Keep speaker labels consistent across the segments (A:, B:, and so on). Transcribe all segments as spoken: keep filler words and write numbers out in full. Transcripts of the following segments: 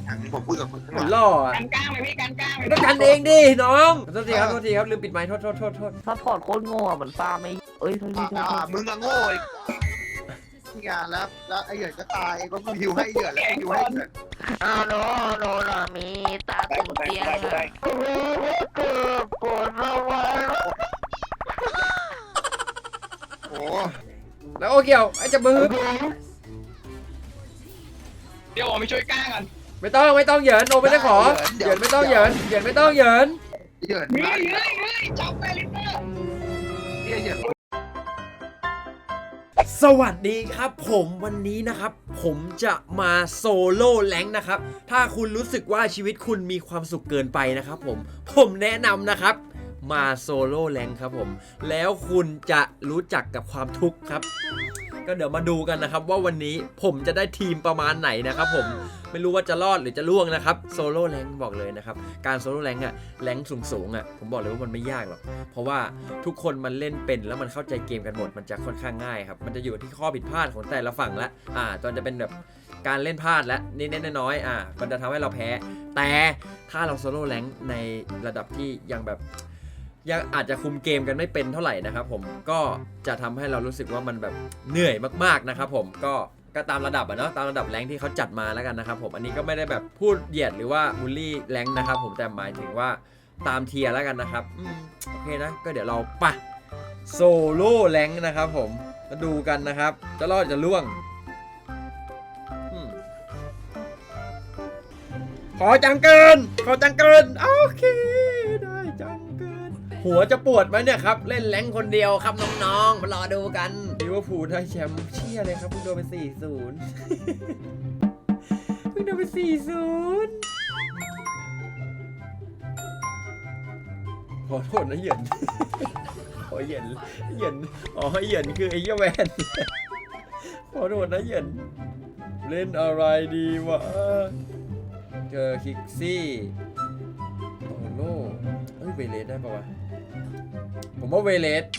A: ผมพูดกับคนข้าง
B: เหมือน
A: ห
B: ล่
A: ลัง
B: ออ่ะ
C: กันกลางเลยพี่กันกลางเลย
B: ต้องกันเองดิน้องโทษทีครับโทษทีครับลืมปิดไมค์โทษโทษโทษโทษ
D: ซัพพอร์ตโคตรโง่เหมือนฟาร์มไม่เอ้ยโทษทีโทษ
A: อ่า
D: ที
A: มึงอะโง่อีกที่งานแล้วแล้วไอ้เหยินก็ตายก็กูฮิวให้เหยินแล้วกูฮิวให้เหยิน
D: อ้าวโนโนล่ะมีตาตุ่มเตียงอะโอ้โหเกือบปวดระวัง
A: โอ้
B: แล้วโอเกี่ยวไอ้จะมือ
C: เดี๋ยวผมไปช่วยกลางก่อน
B: ไม่ต้องไม่ต้องเหยินโนไม่ได้ขอเหยินไม่ต้องเหยินเหยินไม่ต้องเหยิน
A: เหยิน
C: เฮ้
A: มาย
C: เฮ้ยเฮ้ยจับไปลิปเปอร์
A: เหยิน
B: สวัสดีครับผมวันนี้นะครับผมจะมาโซโล่แรงค์นะครับถ้าคุณรู้สึกว่าชีวิตคุณมีความสุขเกินไปนะครับผมผมแนะนำนะครับมาโซโล่แรงค์ครับผมแล้วคุณจะรู้จักกับความทุกข์ครับก็เดี๋ยวมาดูกันนะครับว่าวันนี้ผมจะได้ทีมประมาณไหนนะครับผมไม่รู้ว่าจะรอดหรือจะล่วงนะครับโซโล่แรงค์บอกเลยนะครับการโซโล่แรงค์อะแรงค์สูงๆอะผมบอกเลยว่ามันไม่ยากหรอกเพราะว่าทุกคนมันเล่นเป็นแล้วมันเข้าใจเกมกันหมดมันจะค่อนข้างง่ายครับมันจะอยู่ที่ข้อผิดพลาดของแต่ละฝั่งละอ่าตอนจะเป็นแบบการเล่นพลาดและนิดๆน้อยๆอ่ามันจะทำให้เราแพ้แต่ถ้าเราโซโล่แรงค์ในระดับที่ยังแบบยังอาจจะคุมเกมกันไม่เป็นเท่าไหร่นะครับผมก็จะทำให้เรารู้สึกว่ามันแบบเหนื่อยมากๆนะครับผมก็ก็ตามระดับอะเนาะตามระดับแรงค์ที่เขาจัดมาแล้วกันนะครับผมอันนี้ก็ไม่ได้แบบพูดเหยียดหรือว่าบูลลี่แรงค์นะครับผมแต่หมายถึงว่าตามเทียร์แล้วกันนะครับอืมโอเคนะก็เดี๋ยวเราไปโซโล่แรงค์นะครับผมมาดูกันนะครับจะรอดจะล่วงอืมขอจังเกินขอจังเกินโอเคได้จังเกินหัวจะปวดไหมเนี่ยครับเล่นแรงค์คนเดียวครับน้องๆมารอดูกันลิเวอร์พูลได้แชมป์เชี่ยเลยครับเพิ่งโดนไป สี่ศูนย์ เพิ่งโดนไป สี่ศูนย์ ขอโทษนะเหยิน ขอเหยินเหยินอ๋อเหยินคือไอ้เหี้ยแวน ขอโทษนะเหยินเล่นอะไรดีวะเจอคิกซี่โอ้โหเอ้ยเวเลสได้ปะวะผมว่าเวเลส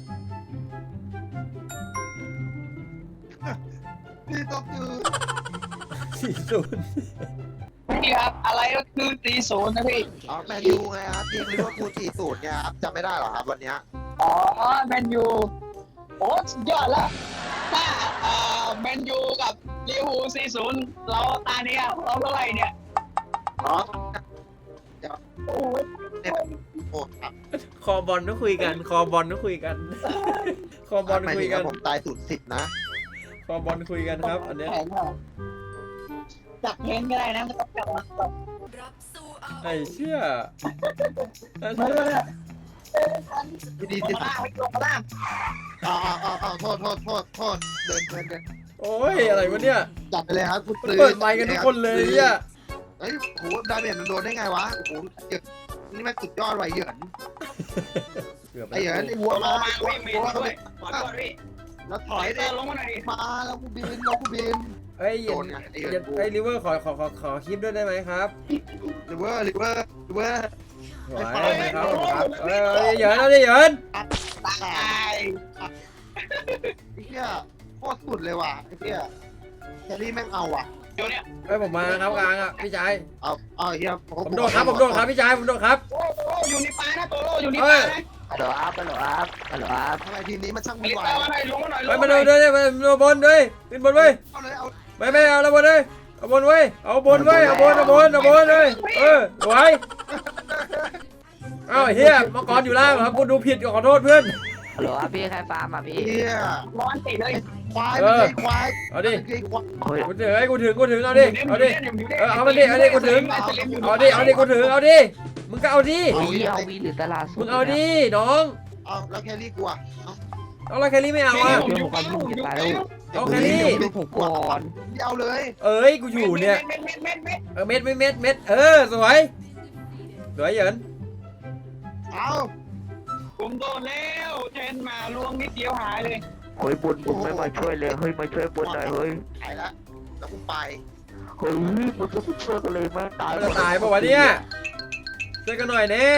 A: นี่ก็คือ
B: สี่ศูนย์
C: พี่ครับอะไรก็คือตีศูนย์นะพี่
A: อ๋อแมนยูไงครับทีมลิเวอร์พูลสี่ศูนย์ไงครับจำไม่ได้หรอครับวันเนี้ย
C: อ๋อแมนยูโอ้สุดยอดแล้วถ้าเอ่อแมนยูกับลิเวอร์พูลสี่ศูนย์เราตาเนี้ยเราเท่าไหร่เนี่ย
A: อ๋อ
C: โอ้ย
A: โอ้ครับ
B: คอบอลต้องคุยกัน คอบอลต้องคุยกัน คอบอล
A: หมาย
B: คุ
A: ถึ
B: ย
A: ง
B: กัน
A: ว่าผมตายศูนย์สิบนะ
B: คอบอลคุยกันครับ อันเนี้ย
C: แข็งอ่ะจับเพนก็ได้นะไม่ต้องจับมันจับ
B: ไอ้เชี่ยไอ้
C: มา
B: เชี่
C: เลย ย
A: พี่ดี
C: ล
A: สิ
C: งมาล่างไปลงมาล่าง
A: อ๋ออ๋ออ๋อโทษโทษโทษโทษเดินเดินเดิน
B: โอ้ยอะไรวะเนี่ย
A: จัดไปเลยครับคุณ
B: เปิดไมค์กันทุกคนเลยเนี่ย
A: เฮ้ยโหดาเมจมันโดนได้ไงวะโอ้โหเหยินนี่มันสุดยอดไว้เหยิน
B: เกือบไป
A: ไอ้เหยินไอ้
C: หั
A: วั
C: ว
A: ว
C: มา
A: มา
C: มาวิ่งเมนด้วยขอโทษพี่
A: แล้วถ
C: ถ
A: อ
C: อย ย
A: ดิ
C: เดินลงมาหน่อยดิ
A: มาแล้วกูบินแล้วกูบิน
B: เอ้ยเหย็
A: โด
B: น
A: นไงไอ้
B: เห
A: เหยิ
B: ย็
A: น
B: นไอ้ลิเวอร์ขอขอขอขอคลิปด้วยได้ไหมครับ
A: ลิเวอร์ลิเวอร์ลิเวอร์
B: ไหวไหมครับครับเอ้ยเอ้ยเหยินเอาดิเหยิน
C: ตาย
A: ไอ้เหี้ยโคตรสุดเลยว่ะไอ้เหี้ยแครี่แม่งเอาว่ะ
C: เดี๋ยวเนี่ย
B: เอ้ยผมมาครับกลางอ่ะพี่ชาย
A: เอาเอาไอ้เหี้ย
B: ผมโดนครับผมโดนครับพี่ชายผมโดนครับ
C: โอ้โหอยู่ในป่านะโตโร่อยู่ในป่านะ
D: ฮัลโหลอัพฮัลโหลอัพฮัลโหลอัพ
A: ทำไมทีมนี้มันช่าง
C: ลิ
A: วุ่น
C: ป
A: วา
C: เปอย ร์มาหน่อยลงมาหน่อยล
B: ไป
C: ง
B: มา
C: มาห
B: ดู
C: น่อย
B: ด้วยไปดูบนด้วยขึ้นบนเว้ย
A: เอาเลยเอา
B: ไม่ไม่เอาละบนเลยเอาบนเว้ยเอาบนเว้ยเอาบนเอาบนเอาบนเลยเออสวยเอ้าเฮียมังกรอยู่ล่างครับกูดูผิดขอโทษเพื่อน
D: ฮัลโหลอัพพี่ใครฟาร์มอ่ะพี่
A: เหี้ย
C: ร้อนติดเลย
A: ควายมันคือควาย
B: เอาดิ
A: มันคือควาย
D: โอ้ย
B: กูถึงไอ้กูถึงกูถึงเอาดิเอาดิเออเอามาดิเอาดิกูถึงเอาดิเอาดิกูถึงเอาดิมึงก็เอาดิ
D: เอาวีเอาวีหรือตลาดสด
B: มึงเอาดิน้อง
A: เอาแล้วแครี่กลัวเอา
B: เอาอะไรแครี่ไม่เอาอ่ะ
D: เดี๋ยวผมก็ยุ่งจะตายแล้ว
B: เอาแครี่
D: ดูผมก่อน
A: ไม่เอาเลย
B: เอ้ยกูอยู่เนี่ย
C: เม็ดเม็ดเม็ดเม็ด
B: เออเม็ดไม่เม็ดเม็ดเออสวยสวยเหยิน
A: เอา
C: ผมโดนแล้วเทนมาลวงนิดเดียวหายเลย
D: เฮ้ยบุญบุญไม่มาช่วยเลยเฮ้ยมาช่วยบุญหน่อยเฮ้ย
A: ไปแล้วแล้วกูไป
D: เฮ้ยบุญก็ไม่ช่วยกันเลยแม่งตาย
B: มันจะตายปะวะเนี่ยช่วยกันหน่อยเน่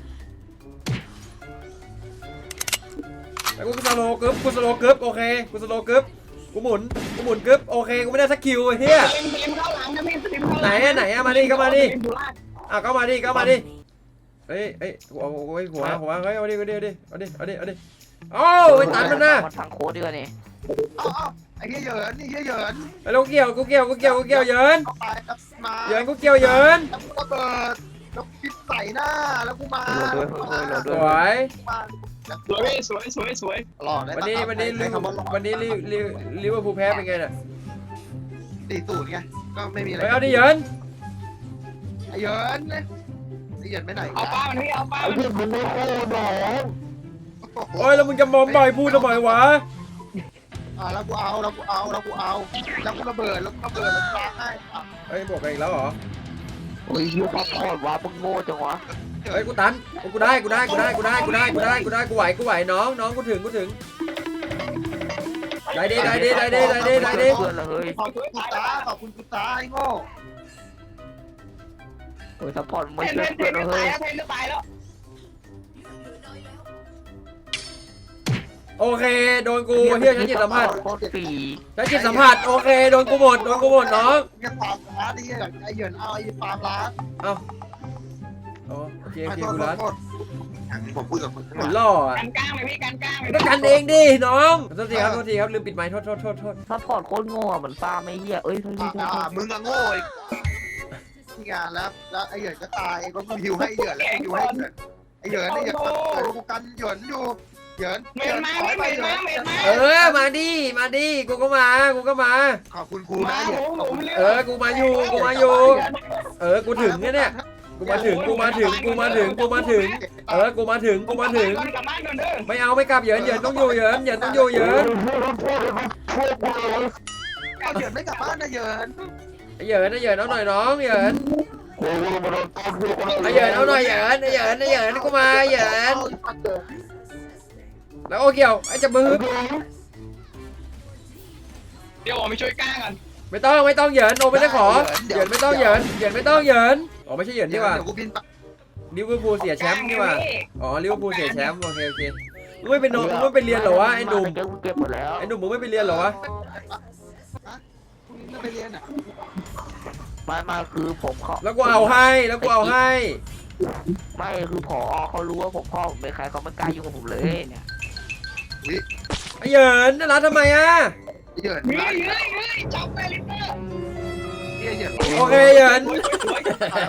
B: แล้วกูสโลกึ๊บกูสโลกึ๊บโอเคกูสโลกึ๊บกูหมุนกูหมุนกึ๊บโอเคกูไม่ได้สักคิวไอ้เหี้ย
C: เล็มเล็มเข้าหลังนะพี่สลิมข้างห
B: ไหน
C: ลัง
B: อะไหนอะมาดิก็มาดิ
C: สลิอยู่ล่าง
B: อ่ะก็มาดิก็มาดิเฮ้ยเฮ้ยหัวหัวหัวหัวเฮ้ยเอาดิเอาดิเอาดิเอาดิเอาดิเอาดิโอ้ยตันมันนะ
D: มาทางโค้ดดีกว่านี่
A: เอาเอาไอ้เหี้ยเหยินนี่เหี้ยเหยิน
B: ไอ้ลูกเกี่ยวกูเกี่ยวกูเกี่ยวกูเกี่ยวเหยิน
A: เอาไปแล้วมา
B: เหยินกูเกี่ยวเหยิน
A: แล้วกูระเบิดแล้วปิดใส่หน้าแล้วกูมา
D: โหลดด้วยโหลด
B: ส
D: ด้วย
B: วย
A: มา
C: สวยพี่สวยสวยสวย
A: หล่อได้
B: วันนี้วันนี้ลิ
A: คำว่าหล่อ
B: วันนี้ลิลิลิเวอร์พูลแพ้เป็นไงน่ะ
A: ตีตูดไงก็ไม่มีอะไร
B: ไปเอาดิเหยิน
A: ไอ้เหยินเนี่ยไอ้เหยินไปไหน
C: เอาป้ามันพี่เอาป้ามัน
D: มึงไม่โค้ดหรอ
B: โอ้ยแล้วมึงจะมอมบ่อยพูดทำไมวะ
A: อ่าแล้วกูเอาแล้วกูเอาแล้วกูเอาแล้วกูระเบิดแล้วกูระเบิดแล้วกูล้างให้อ่ะ
B: เฮ้ยบอกกันอีกแล้วเหรอ
D: โอ้ยยูซัพพอร์ตวะมึงโง่จังวะ
B: เฮ้ยกูตันกูได้กูได้กูได้กูได้กูได้กูได้กูได้กูไหวกูไหวน้องน้องกูถึงกูถึงได้ดิได้ดิได้ดิได้ดิได้ดิ
D: เพื่อนละเฮ้ย
A: ขอบคุณกูตาขอบคุณกูตาไอ้โง่
D: โอ้ยซัพพอร์ตไม่
C: เพน
D: ช่วย
C: เพน
D: เพื่อน
C: เพ
D: ละ
C: น
D: เฮ้
C: ตาย
D: ย
C: แล้วเพนจะตายแล้ว
B: โอเคโดนกูเฮียฉันจิตสัมผัส
D: โคตรฟรี
B: ฉันจิตสัมผัสโอเคโดนกูหมดโดนกูหมดน้อง
A: แกปาล์มร้านนี่ไอ้เหยินเอาไอ้ปาล์มร้าน
B: เอ้าอ๋อโอเคโอเคกูรัด
A: ผมพูดกับมึง
B: เหมือนล่ออ่ะ
C: กันกลางเลยพี่กันกลางเลย
B: ก็กันเองดิน้องโทษทีครับโทษทีครับลืมปิดไมค์โทษโทษโทษโทษ
D: ซัพพอร์ตโคตรโง่เหมือนฟาร์มไอ้เหี้ยเอ้ยโทษทีโทษที
A: อ่ามึงอะโง่อีกที่งานแล้วแล้วไอ้เหยินก็ตายก็กูหิวให้เหยินแล้วกูหิวให้เหยินไอ้เหยินไอ้เหยินเกิดกูกันเหยินอยู่เหยิน
C: เมนมาพี่เมนมาเมนมา
B: เออมาดิมาดิกูก็มากูก็มา
A: ขอบคุณครู
C: มา
A: นะเหยิ
C: ผ
A: น
C: มผมเลือก
B: เออกูมาอยู่กูมาอยู่เออกูถึงเนี่ย กูมาถึงกูมาถึงกูมาถึงกูมาถึงเออกูมาถึงกูมาถึง
C: กลับบ้านก่อนเด้อ
B: ไม่เอาไม่กลับเหยินเหยินต้องอยู่เหยินเหยินต้องอยู่เหยิน
A: เอาเหยินไม่กลับบ้านนะเหยิน
B: ไอ้เหยินไอ้เหยินเอาหน่อยน้องเหยินไอ้เหยินเอาหน่อยเหยินไอ้เหยินไอ้เหยินกูมาเหยินแล้วโอเกี่ยวไอ้จะมือ
C: เดี๋ยวผมไปช่วยกลางกัน
B: ไม่ต้องไม่ต้องเหยินโอไม่ได้ขอเหยินไม่ต้องเหยินเหยินไม่ต้องเหยินอ๋อไม่ใช่เหยิน
A: เดี๋
B: นี่
A: ยว
B: หว่า
A: เดี๋ยวกูบินไป
B: ลิเวอร์พูลเสียแชมป์นี่หว่าอ๋อลิเวอร์พูลเสียแชมป์โอเคโอเคมึงไม่ไปนอนมึงไม่ไปเรียนเหรอวะไอ้หนุ่ม
D: เก็บหมดแล้ว
B: ไอ้หนุ่มมึงไม่ไปเรียนเหรอวะ
A: พรุ่งนี้ไม่ไปเรียนอ่ะ
D: มามาคือผมเขา
B: แล้วกูเอาให้แล้วกูเอาให้
D: ไม่คือผอเขารู้ว่าผมพ่อผมเป็นใครเขาไม่กล้ายุ่งกับผมเลยเนี่ย
B: ไอ้เหยินน่ารักทำไมอ่ะ
A: เหยิน
C: เฮ้ยเฮ้ยเฮ้ยจับไปลิเตอร์
A: เหยิน
B: โอเคเหยิน
C: สวยสวย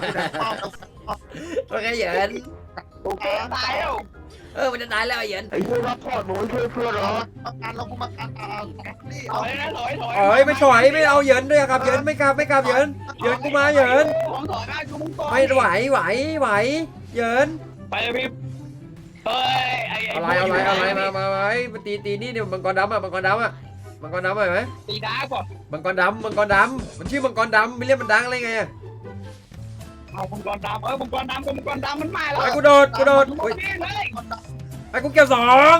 B: โอเคเหยิน
C: โอเคตายแล้ว
B: เออมันจะตายแล้วไอ้เหยิน
D: ไอ้เพื่อนรับพอร์ตมึงไม่ช่วยเพื่อนเหรอ
A: ประกันเรากูมากันอ่านี่
C: ถ
A: เอา
C: อยนะถอยถอย
B: อ๋อยไม่ถอยไม่เอาเหยินด้วยครับเหยินไม่กลับไม่กลับเหยินเหยินกูมาเหยิน
C: ผมถอยมากูมึงก่อน
B: ไม่ไหวไหวไหวเหยิน
C: ไปเลยพี่เฮ้ยไอ้
B: อะไรอะไรอะไรมามามามาตีตีนี่เนี่ยมังกรดำอ่ะมังกรดำอ่ะมังกรดำไหม
C: ตีดาก่อน
B: มังกรดำมังกรดำมันชื่อมังกรดำไม่เรียกมันดังอะไรไงอะ
C: เอามังกรดำเออมังกรดำกับมังกรดำมันมาแล้ว
B: ไอ้กูโดดกูโดด
C: โอ้
B: โอ้
C: ย
B: ย
C: เฮ้ย
B: ไอ้กูเกี่ยวสอง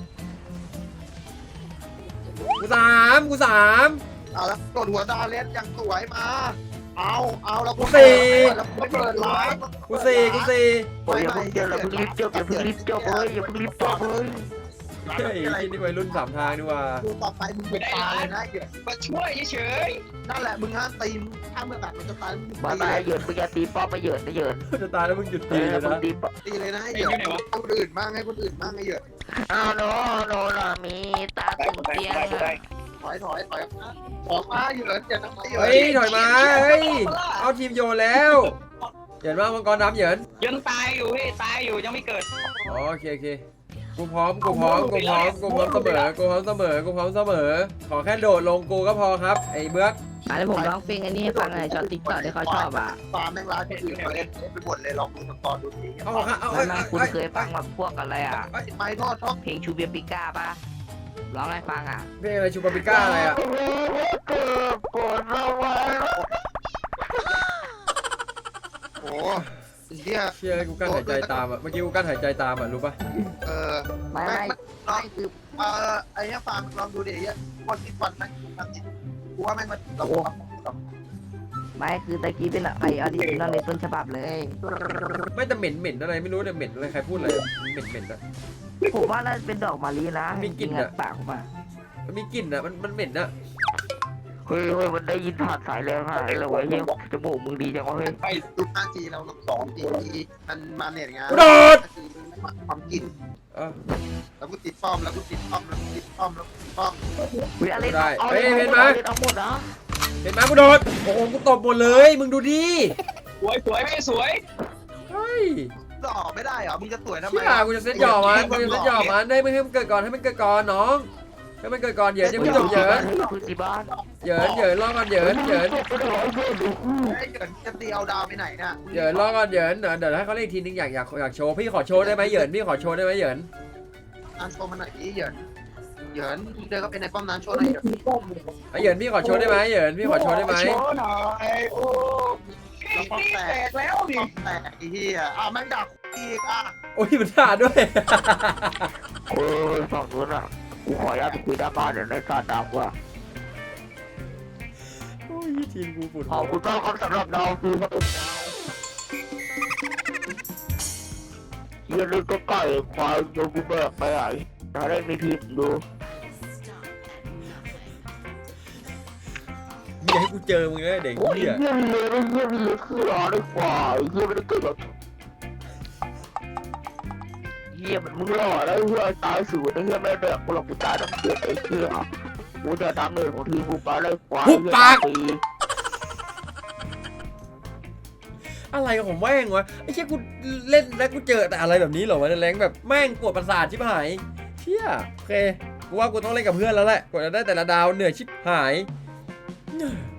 B: กูสามกูสาม
A: เอาแล้วกดหัวดาเลสอย่างสวยมา เอาเอาแล้วกูแล้วกูเปิดร้าน
B: กูสี่กูสี่
D: โอ้ยอย่าเพิ่งเจออย่าเพิ่งรีบจบอย่าเพิ่งรีบจบเลยอย่าเพิ่งรีบจบเลย
B: เฮ้ยกินนี่วัยรุ่นสามทางดีกว่า
A: กูต่อไปมึงเป็นตาเลยนะเหยิน
C: มาช่วยเฉย
A: นั่นแหละมึงห้ามตีมถ้าเมื่อแบบมันจะตายมึง
D: มา
A: ตี
D: ตาย
A: เลย
D: เหยินมึงอย่าตีป้อมมาเหยินนะเหยิน
B: จะตายแล้วมึงหยุด
D: เอ
B: ตี
D: อ
B: เลย
D: มึง
B: นะ
D: ตีป้อม
A: ตีเลยนะเหยินให้คนอื่นบ้างให้คนอื่นบ้างไอ้เหยิน
D: อ้าวโนโนรามีตาตุ่มเตียง
A: ถอยถอยถอยออกมาเหยินอย่าทำไมเหยิน
B: เฮ้ยถอยมาเฮ้ยเอาทีมโยนแล้วเหยินว่ามังกรดำเหยิน
C: ๆยังตายอยู่พี่ตายอยู่ยังไม่เกิด
B: อ๋อโอเคโอเคกูพร้อมกูพร้อมกูพร้อมกูพร้อมเสมอกูพร้อมเสมอกูพร้อมเสมอขอแค่โดดลงกูก็พอครับไอ้เบื้อก
D: อันนี้ผมร้องเพลงอันนี้ให้ฟังหน่อยช็อตติ๊กต็อกที่เขาชอบอ่ะ
A: ฟาร์มแม่งร้านคนอื่นมาเล่นไปหมดเลยลองดูสกอร์ดูสิ
B: เอาเอาเอา
D: แล้วคุณเคยฟังแบบพวกอะไรอ่ะ
A: ไม่ทอดทอด
D: เพลงชูเบียปิก้าป่ะร้องให้ฟังอ่ะ
B: เพลงอะไรชูปาปิก้าอะไรอ่ะ
A: โอ้เฮีย
B: เชื่อกูกั้นหายใจตามอ่ะเมื่อกี้กูกั้นหายใจตามอ่ะรู้ปะ
A: เออ
D: ไม่ไม่ไม่คือ
A: เออไอ้เนี้ยฟาร์มลองดูดิเฮียคนที่ฟันนะกูว่าแม่งมันตก
D: ไม่คือตะกี้เป็นไอออดิจินอลในต้นฉบับเลย
B: ไม่แต่เหม็นเหม็นอะไรไม่รู้แต่เหม็นอะไรใครพูดอะไรเหม็นเหม็นอ่ะ
D: ผมว่าน่าจะเป็นดอกมะลินะ
B: มีกลิ่นอะ
D: ปากผมอ่ะ
B: มันมีกลิ่นอ่ะมันมันเหม็นอ่ะ
D: เฮ้ยเฮ้ยมันได้ยินผ่านสายแล้วค่ะแล้วเว้ยเฮ้ยจมูกมึงดีจังวะเฮ้ย
C: ไป
A: ดูห้าจีเราสองจีมันมาเน็ตงาน
B: กูโดด
A: ความกิน
B: เออ
A: แล้วกูติดป้อมแล้วกูติดป้อมแล้วกูติดป้อมแล้วกูติดป้อม
D: เฮ้ยอะไร
B: ได้
D: เอา
B: เฮ้ย
D: เอา
B: เห็นไหม
D: เอาหมดนะ
B: เห็นไหมกูโดดโอ้โหกูตบหมดเลยมึงดูดิ
C: สวยสวยไม่สวย
B: เฮ้ย
A: จะออกไม่ได้เหรอมึงจะสวยทำไม
B: เชี่ยกูจะเซ็ตหย่อมันกูจะเซ็ตหย่อมันได้ไม่ให้มันเกิดก่อนให้มันเกิดก่อนน้องให้มันเกิดก่อนเหยินยังไม่จบเหยิน
D: พื้นที่บ้าน
B: เหยินเหยินรอก่อนเหยินเหยิน
A: ไอ้เหยินจะตีเอาดาวไปไหนน่ะ
B: เหยินรอก่อนเหยินเดี๋ยวเดี๋ยวให้เขาเล่นอีกทีนึงอยากอยากอยากโชว์พี่ขอโชว์ได้ไหมเหยินพี่ขอโชว์ได้ไหมเหยิน
A: อันโชว์มันหน่อยดิเหยินเหยินเดินก็เป็นในป้อมนั้นโชว์หน่อยเหยิน
B: ไอ้เหยินพี่ขอโชว์ได้ไหมเหยินพี่ขอโชว์ได้ไหม
C: โชว์หน่อยโอ้นี่แตกแล้วดิ
A: ป้อมแตกไอ้เหี้ยอ่ะแม่งดักอีกอ่ะ
B: โอ้ยมันด่าด้วย
D: โอ้ยฝั่งนู้นอ่ะกูขออนุญาตไปคุยด้านบ้านเดี๋ยวในซาดับว่ะ
B: โอ้ยทีมกูปวด
D: ขอบคุณมากครับสำหรับดาวคือครับเยี่ยนี่ก็ไก่ควายโยกูแบกไปไหนถ้าได้มีทีมดู
B: อย่าให้กูเจอมึงเลยเด็ก
D: โอ้ย
B: เหี้ย
D: เยี่ยมเลยนะเยี่ยมเลยคือรอได้กว่าเยี่ยมไม่ได้เกิดแบบเยี่ยมมันมึงหล่อแล้วเฮียตายสูดเฮียไม่แบบกูหลอกกูตายต้องเสียไอ้เฮียกูจะทำเงินของทีมกูไปได้กว่า
B: อะไรกับผมแม่งวะไอ้เชี่ยกูเล่นแล้วกูเจอแต่อะไรแบบนี้เหรอวะในแรงแบบแม่งปวดประสาทชิบหายเชี่ยโอเคกูว่ากูต้องเล่นกับเพื่อนแล้วแหละกว่าจะได้แต่ละดาวเหนื่อยชิบหาย